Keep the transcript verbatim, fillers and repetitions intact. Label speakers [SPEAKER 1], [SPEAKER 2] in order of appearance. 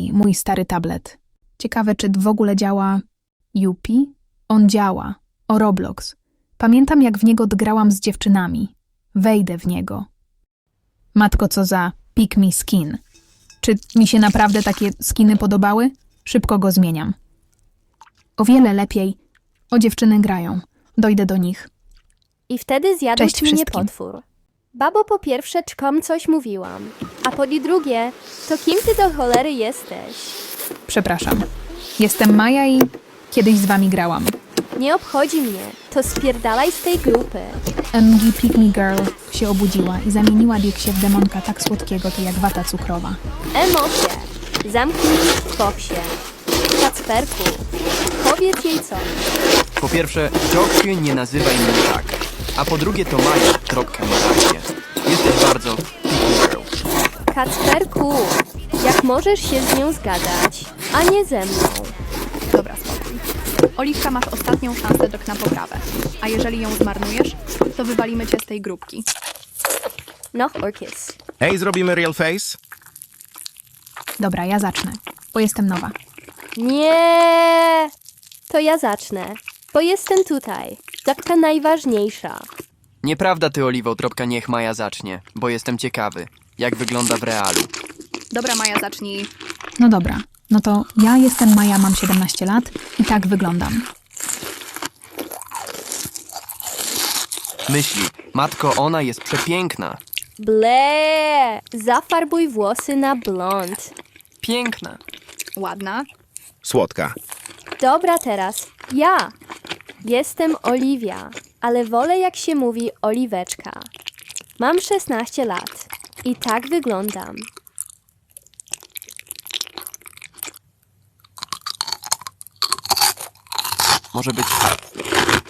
[SPEAKER 1] Yupi, mój stary tablet. Ciekawe, czy w ogóle działa... Yupi? On działa. O Roblox. Pamiętam, jak w niego grałam z dziewczynami. Wejdę w niego. Matko, co za pick me skin. Czy mi się naprawdę takie skiny podobały? Szybko go zmieniam. O wiele lepiej. O, dziewczyny grają. Dojdę do nich.
[SPEAKER 2] I wtedy zjadł
[SPEAKER 1] Cześć
[SPEAKER 2] mnie
[SPEAKER 1] wszystkim.
[SPEAKER 2] potwór. Babo, po pierwsze, czkom coś mówiłam. A po drugie, to kim ty do cholery jesteś?
[SPEAKER 1] Przepraszam. Jestem Maja i kiedyś z wami grałam.
[SPEAKER 2] Nie obchodzi mnie. To spierdalaj z tej grupy.
[SPEAKER 1] M G Pick Me Girl się obudziła i zamieniła Dixie w demonka tak słodkiego, to jak wata cukrowa.
[SPEAKER 2] Emocje. Zamknij w boksie. Kacperku, powiedz jej coś.
[SPEAKER 3] Po pierwsze, Joksiu, nie nazywaj mnie tak. A po drugie, to Maja, kropka, ma rację. Jesteś bardzo picky girl.
[SPEAKER 2] Kacperku, jak możesz się z nią zgadać, a nie ze mną?
[SPEAKER 4] Dobra, spokój. Oliwka, masz ostatnią szansę Jack na poprawę. A jeżeli ją zmarnujesz, to wywalimy cię z tej grupki.
[SPEAKER 2] No, Orkis.
[SPEAKER 5] Hej, zrobimy real face?
[SPEAKER 1] Dobra, ja zacznę, bo jestem nowa.
[SPEAKER 2] Nie, to ja zacznę, bo jestem tutaj. Taka najważniejsza.
[SPEAKER 3] Nieprawda ty, Oliwo, tropka, niech Maja zacznie, bo jestem ciekawy, jak wygląda w realu.
[SPEAKER 4] Dobra, Maja, zacznij.
[SPEAKER 1] No dobra, no to ja jestem Maja, mam siedemnaście lat i tak wyglądam.
[SPEAKER 3] Myśli, matko, ona jest przepiękna.
[SPEAKER 2] Ble, zafarbuj włosy na blond.
[SPEAKER 3] Piękna.
[SPEAKER 4] Ładna.
[SPEAKER 5] Słodka.
[SPEAKER 2] Dobra, teraz ja. Jestem Oliwia, ale wolę, jak się mówi, Oliweczka. Mam szesnaście lat i tak wyglądam.
[SPEAKER 3] Może być